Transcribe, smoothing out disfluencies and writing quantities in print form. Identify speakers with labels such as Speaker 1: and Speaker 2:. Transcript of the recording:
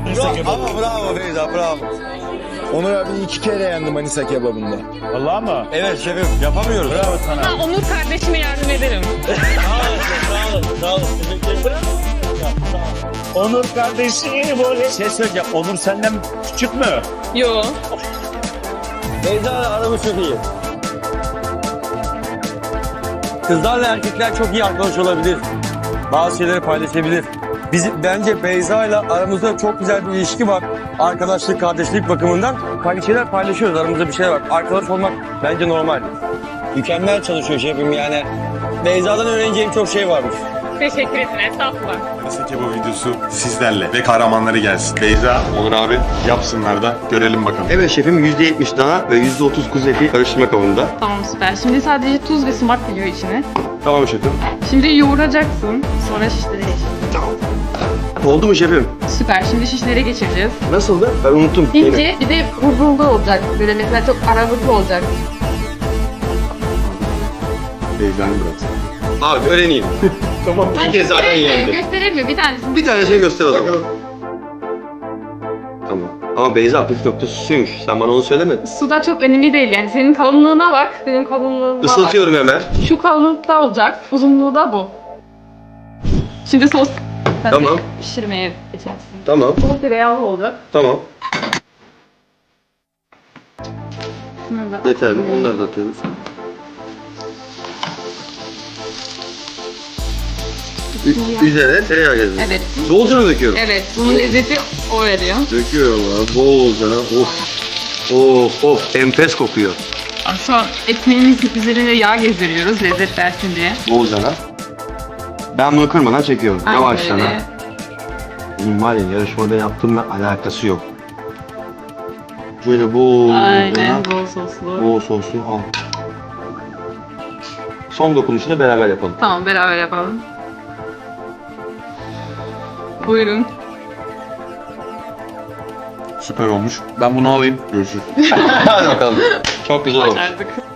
Speaker 1: Manisa kebabı.
Speaker 2: Ama bravo Beyza, bravo.
Speaker 3: Onur abi 2 kere yendi Manisa kebabında.
Speaker 1: Vallahi mı?
Speaker 2: Evet şefim, yapamıyoruz.
Speaker 1: Bravo sana.
Speaker 4: Ha, Onur kardeşime yardım ederim.
Speaker 1: Sağ olun. Onur kardeşi böyle şey söyleyeceğim. Onur senden küçük mü?
Speaker 4: Yo.
Speaker 2: Beyza'yla aramız çok iyi. Kızlarla erkekler çok iyi arkadaş olabilir. Bazı şeyleri paylaşabilir. Bence Beyza'yla aramızda çok güzel bir ilişki var. Arkadaşlık, kardeşlik bakımından. Hani şeyler paylaşıyoruz, aramızda bir şey var. Arkadaş olmak bence normal. Mükemmel çalışıyor şefim yani. Beyza'dan öğreneceğim çok şey varmış.
Speaker 4: Teşekkür ederim. Estağfurullah.
Speaker 5: Manisa kebabı videosu sizlerle ve kahramanları gelsin. Beyza, Onur abi yapsınlar da görelim bakalım.
Speaker 6: Evet şefim %70 dana ve %30 kuzu eti karıştırma kabında.
Speaker 4: Tamam süper. Şimdi sadece tuz ve sumak geliyor içine.
Speaker 6: Tamam şefim.
Speaker 4: Şimdi yoğuracaksın. Sonra şişlere geçeceğiz.
Speaker 6: Oldu mu şefim?
Speaker 4: Süper. Şimdi şişlere geçireceğiz.
Speaker 6: Nasıldı? Ben unuttum.
Speaker 4: İnce bir de huzurlu olacak. Böyle mesela çok aralıklı olacak.
Speaker 6: Beyza'nın burası. Abi öğreneyim. Tamam. Bir kez zaten yendi.
Speaker 4: Gösterelim mi? Bir tanesini.
Speaker 6: Bir tane şey göster o zaman. Tamam. Ama Beyza püf noktası suymuş. Sen bana onu söylemedin.
Speaker 4: Suda çok önemli değil yani. Senin kalınlığına bak. Senin kalınlığına bak.
Speaker 6: Isıtıyorum hemen.
Speaker 4: Şu kalınlıkta olacak. Uzunluğu da bu. Şimdi sos. Sen de
Speaker 6: Tamam.
Speaker 4: pişirmeye geçersin.
Speaker 6: Tamam.
Speaker 4: Sos tereyağlı olacak.
Speaker 6: Tamam.
Speaker 4: Şunu da-
Speaker 6: Yeterli. Onları da atıyoruz. Üzerine tereyağı gezdiriyoruz.
Speaker 4: Evet.
Speaker 6: Bolcana döküyorum.
Speaker 4: Evet. Bunun lezzeti o veriyor.
Speaker 6: Döküyorum abi. Bolcana. Of. Of of. Enfes kokuyor.
Speaker 4: Şu an ekmeğimizin üzerine yağ gezdiriyoruz lezzet versin diye.
Speaker 6: Bolcana. Ben bunu kırmadan çekiyorum.
Speaker 4: Aynen
Speaker 6: Yavaştan.
Speaker 4: öyle.
Speaker 6: Benim var ya yarışmada yaptığımla alakası yok. Böyle bol.
Speaker 4: Aynen bol soslu.
Speaker 6: Bol soslu. Al. Son dokunuşunu beraber yapalım.
Speaker 4: Tamam beraber yapalım. Buyurun.
Speaker 5: Süper olmuş. Ben bunu alayım. Görüşürüz.
Speaker 6: Hadi bakalım. Çok güzel olmuş.
Speaker 4: Başardık.